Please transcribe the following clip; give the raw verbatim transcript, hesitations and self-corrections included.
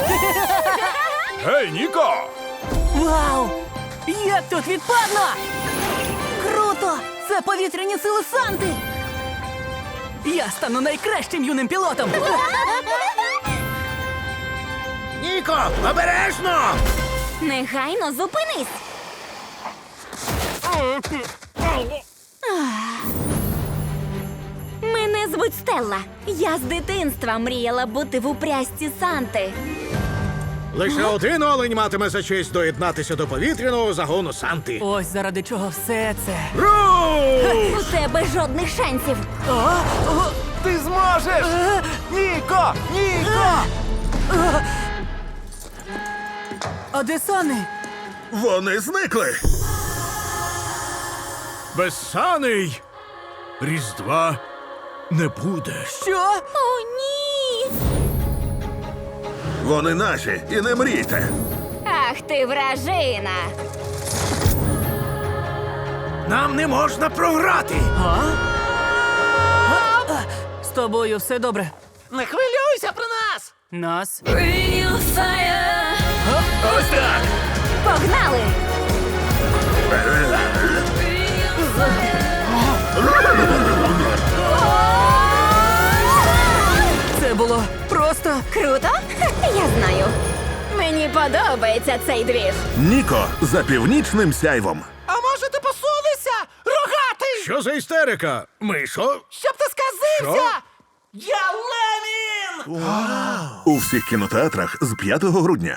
Гей, Ніко! Вау! Як тут відпадно! Круто! Це повітряні сили Санти! Я стану найкращим юним пілотом! Ніко, обережно! Негайно зупинись! Мене звуть Стелла. Я з дитинства мріяла бути в упрясті Санти. Лише один олень матиме за честь доєднатися до повітряного загону Санти. Ось заради чого все це. Руш! У тебе жодних шансів. Ти зможеш! Ніко! Ніко! А де Сани? Вони зникли. Безсаний Різдва не буде. Що? О, ні! Вони наші, і не мрійте. Ах ти вражина! Нам не можна програти. А? З тобою все добре. Не хвилюйся про нас! Нас? Ось так! Погнали! Це було просто. Круто? Я знаю. Мені подобається цей двіж. Ніко за північним сяйвом. А може ти посунешся? Рогатий! Що за істерика? Мишо? Щоб ти сказився! Я Ленін! У всіх кінотеатрах з п'ятого грудня.